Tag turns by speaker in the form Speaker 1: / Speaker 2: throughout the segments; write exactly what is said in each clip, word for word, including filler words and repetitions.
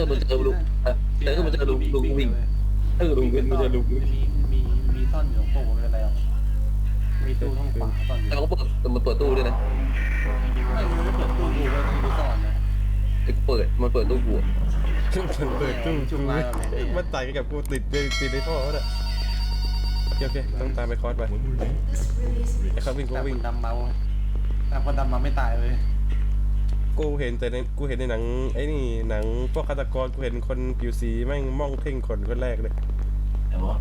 Speaker 1: อมันเจอลุงเจอมันเจอลุงลุงวิ่งเออลุงเป็นมันเจอลุง
Speaker 2: มีมีมีซ่อนอยู่ตรงตู้ไม่เป็นไรหรอกมีตู้ห้องขวาซ่อนอยู่
Speaker 1: แต่เขาเปิดมันเปิดตู้ด้วยนะ
Speaker 2: ไม่มันไม่เปิดตู้ดูไว้ต้องดูซ่อนนะ
Speaker 1: ไอ้เปิดมันเปิดตู้บัว
Speaker 3: เปิดตู้
Speaker 2: จุ่
Speaker 3: กู
Speaker 2: มลายแบบนี้
Speaker 3: มันตายกับกูติดเลยติดในท่อแล้วโอเคโอเคต้องตามไปคอร์สไปไอ้เขาวิ่งกู
Speaker 2: แต่
Speaker 3: วิ่
Speaker 2: ค
Speaker 3: ง
Speaker 2: นดำเมาแต่คนดำมาไม่ตายเลย
Speaker 3: กูเห็นแต่ในกูเห็นในหนังไอ้นี่หนังพวกฆาตกรกูเห็นคนผิวสีแม่งมองเพ่งคนคนแรกเลย
Speaker 4: แต่ว่า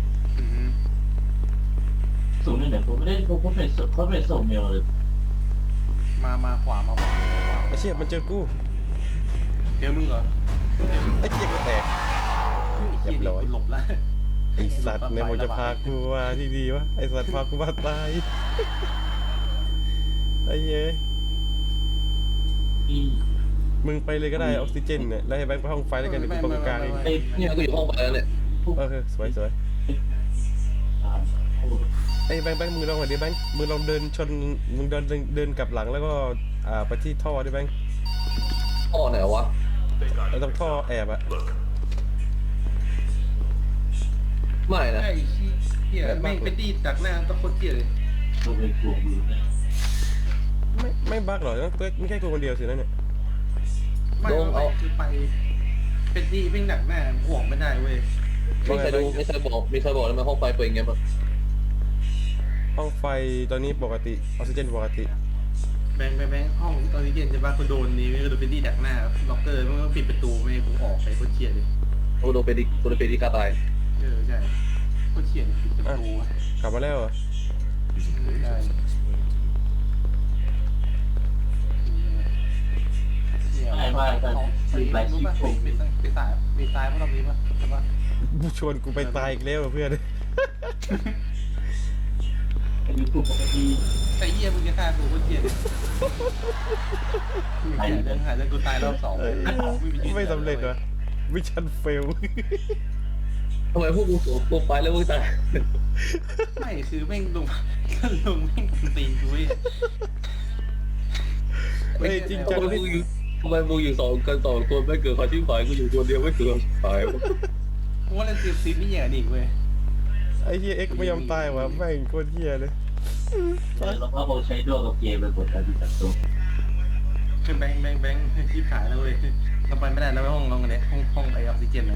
Speaker 4: สูงนี่เนี่ยผมไม่ได้ผมเขาเป็นเขาเป็นส่งเมลเลย
Speaker 2: มามาขวามาขวาขวา
Speaker 3: ไอ้เชี่ยมันเจอกู
Speaker 2: เจอมึงเหรอ
Speaker 3: ไอ้เชี่ยก็แตก
Speaker 2: เฮียดิหลบแล้ว
Speaker 3: ไอ้สัตว์เนี่ยมันจะพากูมาที่ดีวะไอ้สัตว์พากูมาตายไอ้เย้ย
Speaker 4: ที่
Speaker 3: มึงไปเลยก็ได้ออกซิเจนเนี่ยแล้วให้แบงค์ไปห้องไฟแล้วกันเดี๋ยวกูตรงกลางเอง
Speaker 4: ไอ้
Speaker 1: เนี่ยกูอยู่ห้องไปแล้วเนี่ย
Speaker 3: เออสวยสวย
Speaker 4: อ่า
Speaker 3: ไอ้แบงค์แบงค์มึงลองหน่อยดิแบงค์มึงลองเดินชนมึงเดินเดินเดินกลับหลังแล้วก็อ่าไปที่ท่อดิแบงค์
Speaker 1: พ่อไหนวะ
Speaker 3: แล้วต้องท่อแอบอะ
Speaker 1: ไม่นะ
Speaker 2: ไอ้เฮียแม่งไปตีจากหน้าตะโคตรเฮียเลย
Speaker 4: ตัวเป็นกลัวมือนะ
Speaker 3: ไม่ไม่บั๊กหรอกไม่แค่กูคนเดียวสินะเนี่ย
Speaker 2: ไม่ไม่คือไปเป็นตีแม่งหนักหน้าห่วงไม่ได้เว้ย
Speaker 1: ไม่ใครดูไม่ใครบอกมีใครบอกแล้วมันห้องไฟเปิดยังไงบ้าง
Speaker 3: ห้องไฟตอนนี้ปกติออกซิเจนปกติ
Speaker 2: แบงค์แบงค์ห้องตอนนี้เย็นจะบ้ากูโดนนี้ไม่ก็โดนเป็นตีดักหน้าล็อกเกอร์มันก็ปิดประตูไม่ให้กูออกไปโคตรเฮียเลย
Speaker 1: โอ้โดนไปดิโดนไปดิกาตาย
Speaker 2: เออใช่โคตรเฮียปิดประตู
Speaker 3: กลับมาแล้วเหรอ
Speaker 2: ได้มีไปรู้ป่ะมีสายมีสายมีสายพวกเรามีป่ะใช่ป่ะ
Speaker 3: ชวนกูไปตายอีกแล้วเพื่อน
Speaker 4: ไอ้กลุ่มปกติ
Speaker 2: ไอ้เหี้ยมึงจะฆ่ากูโคตรเหี้ยหายเรื่องหายเรื่องกูตายรอบสอง
Speaker 3: ไม่สำเร็จวะวิชั่นเฟล
Speaker 1: ทำไมพวกกูโสดตัวไปแล้วมึงตาย
Speaker 2: ไม่คือแม่งลงลงแม่งตีกูเว้ย
Speaker 3: เฮ้ยจริง
Speaker 1: ทำ
Speaker 3: จัง
Speaker 1: ไม
Speaker 3: นี่
Speaker 1: มึงอยู่ทำไมมึงอยู่สองกันสองคนไม่เกิดความชิบหายกูอยู่คนเดียวไม่เกิดความชิบหาย
Speaker 2: กูว่าเล่นซีซีนี่อย่างนี้เว้ย
Speaker 3: ไอ้เฮียเอ็กไม่ยอมตายวะแม่งโคตรเฮียเลย
Speaker 4: แล้วก็ใช้ดวงกับเกมเป็นกดการติดตั้งตัว
Speaker 2: คือแบงค์แบงค์แบงค์ชิบหายแล้วเว้ยเราไปไม่ได้แล้วไปห้องน้องกันเนี่ยห้องห้องไอออกซิเจนเลย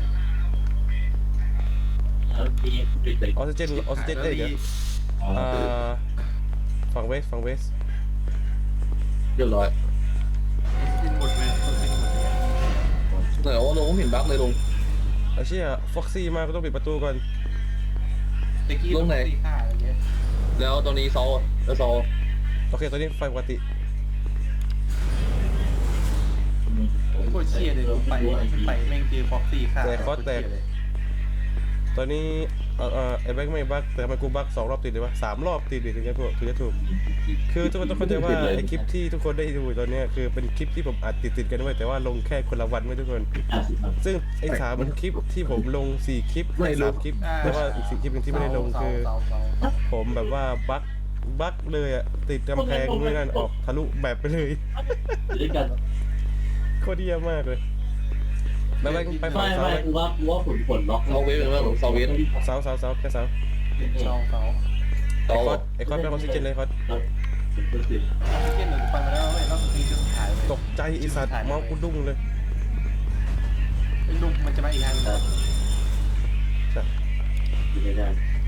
Speaker 4: แล้วมีติดเลย
Speaker 3: ออกซิเจนออกซิเจนเอ้ยเดี๋ยวอ่าฝั่งเวสฝั่งเวส
Speaker 1: เรียบร้อย
Speaker 2: ออกซิเจนหมดเลยออกซิเจนหมดเลย
Speaker 1: ไหนว่าลงเห็นบั๊กเลยลง
Speaker 3: ไอ้เชี่ยฟ็อกซี่มาก็ต้องปิดประตูก่อน
Speaker 2: ตะกี้ต้องตีฆ่าอะไรเงี้ย
Speaker 1: แล้วตอนนี้ซอแล้วซอ
Speaker 3: โอเคตอนนี้ไฟปกติ
Speaker 2: โคตรเชี่ยเลยไปไปแม่งเจอฟ็อกซี่ฆ่า
Speaker 3: ตอนนี้เอ่อเอ่อไอ้แบงค์ไม่บั๊กแต่ทำไมกูบั๊กสองรอบติดเลยวะสามรอบติดดิถึงจะถูกถึงจะถูกคือทุกคนต้องเข้าใจว่าไอ้คลิปที่ทุกคนได้ดูตอนเนี้ยคือเป็นคลิปที่ผมอัดติดติดๆกันไว้แต่ว่าลงแค่คนละวันไม่ทุกคน
Speaker 4: ห้าสิบมัน
Speaker 3: ซึ่งไอ้สามคลิปที่ผมลงสี่คลิปไม่สามคลิปแต่ว่าอีกสี่คลิปหนึงที่ไม่ได้ลงคือผมแบบว่าบั๊กบั๊กเลยอะติดกำแพงด้วยนั่นออกทะลุแบบไปเลย
Speaker 4: ด้วยกัน
Speaker 3: โคตรเยี่ยมมากเลยแล้วแบงค์ไปฝั่
Speaker 4: ไม่
Speaker 3: งเสา
Speaker 4: ไม่
Speaker 3: แบง
Speaker 4: กู
Speaker 3: ค์
Speaker 4: ว่ากูว่าผลผลล็อก
Speaker 1: ซอเวสเป็นว่าของซอเวส
Speaker 3: เสาเสาเสาแค่เสา
Speaker 2: เสาเสา
Speaker 1: ซ
Speaker 3: ไอ้
Speaker 1: อ
Speaker 3: คอสไอ้คอสเป็นออกซิเจนเลยคอส
Speaker 4: เป็นตัวสิ
Speaker 2: ออกซิเจนหนึ่งไปมาแล้วเว้ยรอบสุดท้ายจะสุดท้ายเลย
Speaker 3: ตกใจไอ้สัตว์เมาส์กูดุ้งเลย
Speaker 2: ไอ้ลุงมันจะมาอีกทางนึง
Speaker 3: ใช่
Speaker 4: ไม่ได้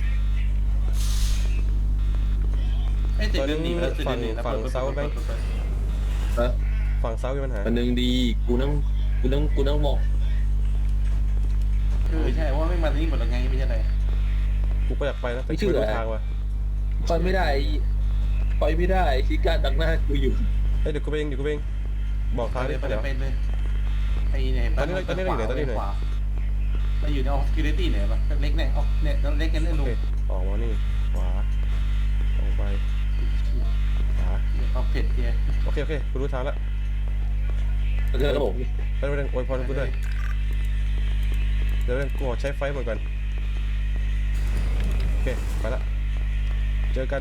Speaker 2: ไอ้เจ็ดเดือนหนีแล้ว
Speaker 3: ฝั่งฝั่งเสาแบงค์
Speaker 1: ฮะ
Speaker 3: ฝั่งเสามีปัญหา
Speaker 1: อันหนึ่งดีกูนั่งกูนั่งกูนั่งมอง
Speaker 2: เออใช่ว่าไม่มาที่นี่หมดแล้วไงไม่ใช่อะไร
Speaker 3: กูก็อยากไปนะแต่กูไม่รู้ทางว่ะ
Speaker 1: ไปไม่ได้ไปไม่ได้ชิก้าดังหน้ากูอยู่
Speaker 3: เอ้ยเดี๋ยวกูไปเองเดี๋ยวกูไปเองบอกทาง
Speaker 2: เล
Speaker 3: ดิ
Speaker 2: ยไป
Speaker 3: เดี๋ยว
Speaker 2: เลยไปเลยไอ้เนี่ยเราอยู่ในออฟฟิศตี้เนี่ยปะเล็กเนี่ยออกเนี่ยเล็กกันเล่น
Speaker 3: โอ
Speaker 2: ลุง
Speaker 3: เคออกมานี่ขวาตรงไปขวา
Speaker 2: เขาเผ็ดเจีย
Speaker 3: โอเคโอเคกูรู้ทางแล้ว
Speaker 1: เจอแล้วผม
Speaker 3: ไปเรื่องอวยพรกูด้วยเดี๋ยวเรื่องกูขอใช้ไฟหมดก่อนโอเคไปละเจอกัน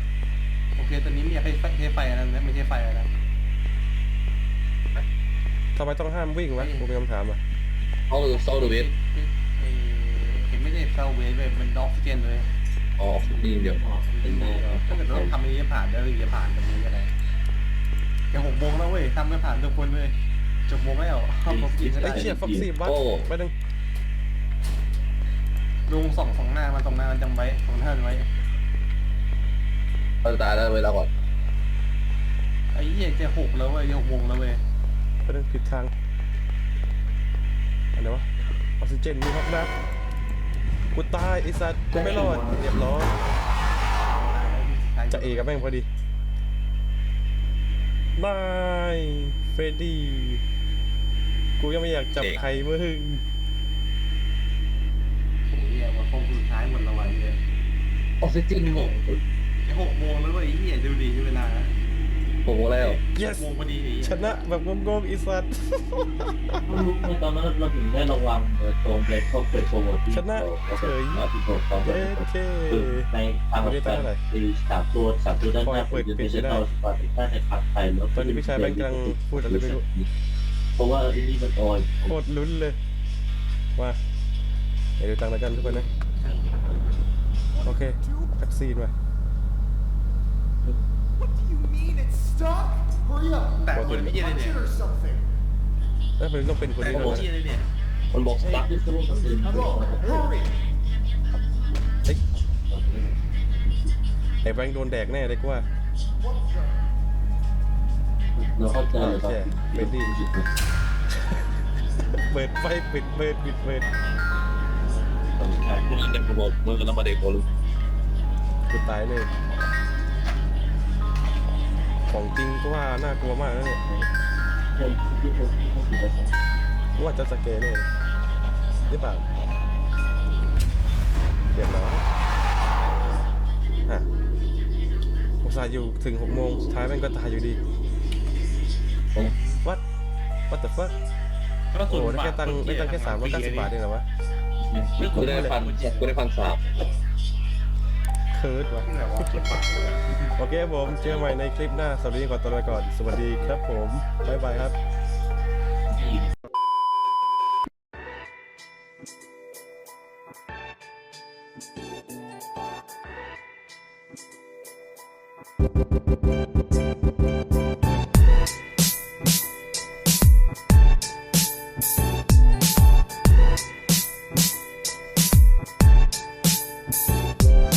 Speaker 2: โอเคตอนนี้ไม่อยากให้ไฟใช้ไฟอะไรนะไม่ใช่ไฟอะไร
Speaker 3: ทำไมต้องห้ามวิ่งวะกูมีคำถามอ่ะ
Speaker 1: เอาเซาเดเวส
Speaker 2: เอ่อเห็นไม่ได้เซาเวสเลยมันออกซิเจนเลย
Speaker 1: อ๋อนี่เดี๋ยว
Speaker 4: เป็นแม่
Speaker 2: ถ้าเกิดเราทำอันนี้จะผ่านได้หรือจะผ่านตรงนี้ก็ได้แค่หกโมงแล้วเว้ยทำไม่ผ่านทุกคนเลยจบโมงแล้วเข้ามากินก็
Speaker 3: ไอ้
Speaker 2: ได้
Speaker 3: เชี่ยฟ็อกซี่บัคไม่ต้อง
Speaker 2: ลุงส่องสองหน้ามันสองหน้ามันจำไว้สองหน้ามันไว้
Speaker 1: เราตายแล้วเวลาก่อน
Speaker 2: ไอ้เหี้ยจะหกแล้วเว้ยจะหกโมงแล้วเว้ย
Speaker 3: ไม่ต้องผิดทางอันไหนวะออกซิเจนมีฮอกนะกูตายไอ้สัตว์กูไม่รอดเรียบร้อยจะเอกับแม่งพอดีบายเฟรดดี้กูยังไม่อยากจับใครมึง
Speaker 2: ไอ้เหี้ยมาคงสุดท้ายหมดละวันเลย
Speaker 1: ออกซิเจนหก
Speaker 2: จะหกโมงแล้วเว้ยไอ้เหี้ยดูดีเวลา
Speaker 1: หกโมงแล้ว
Speaker 3: เย
Speaker 2: ห
Speaker 3: ส
Speaker 2: กโมงพอดีไอ้เหี้ย
Speaker 3: ชนะแบบงงๆไอ้สัตว์
Speaker 4: รู้ในตอนนั้นเราถึงได้ระวังตรงเบรกเขาเปิดโปรโมทที่
Speaker 3: ชนะเฉย
Speaker 4: ที่ผมตอน
Speaker 3: เย้เค
Speaker 4: ในทางแบบตีสามตัวสามตัวด้านหน้าเป็นดิจิทัลสปอร์ตถ้าในพักไทยแล้ว
Speaker 3: ตอนนี้พี่ชายแม่งกำลังพูดอะไรไม่รู้
Speaker 4: เพราะว่าไอ้นี่มันออย
Speaker 3: โคตรลุ้นเลยว่าเดี๋ยวดูตังค์แล้วกันทุกคนนะโอเคแท็กซี่มา
Speaker 5: What do you mean it's stuck? Hurry up.
Speaker 2: แต่คนพี่เหี้ยเลย
Speaker 5: Punch
Speaker 2: เนี่ย
Speaker 5: it or something.
Speaker 3: แล้วมันต้องเป็นคน
Speaker 2: แต่
Speaker 3: นี้
Speaker 2: ค
Speaker 3: ด้วย
Speaker 2: นพี่เหี้ยเลยเนี่ย
Speaker 1: มันบอกสตาร์ท
Speaker 5: Go. Hurry.
Speaker 3: เฮ้ยไอ้แบงค์โดนแดกแน่เลยกูว่า
Speaker 5: What the?
Speaker 4: เราเข้าใจเลยครับ
Speaker 3: เปิดไฟปิดเปิดปิดเปิด
Speaker 1: พวกนั้นเต็มระบบมือกันมาเด็กโกลู
Speaker 3: กูตายเลยของจริงก็ว่าน่ากลัวมากนะเนี่ยกูว่าจะสเกลเลยหรือเปล่าเดี๋ยวนะอ่ะอุตส่าห์อยู่ถึงหกโมงสุดท้ายแม่งก็ตายอยู่ดีวัดวัดแต่ฟัก
Speaker 2: ก็
Speaker 3: โอ้
Speaker 2: ส่วน
Speaker 3: ได้แค่ตังค์ได้ตังค์แค่สามร้อยเก้าสิบบาทเองเหรอวะ
Speaker 1: กูได้พันกูได้พันสาม
Speaker 3: เคิร์ดวะ
Speaker 2: ที่ไหนวะเก็บปากเลย
Speaker 3: โอเคผมเจอใหม่ในคลิปหน้าสวัสดีก่อนตัวไปก่อนสวัสดีครับผมบ๊ายบายครับ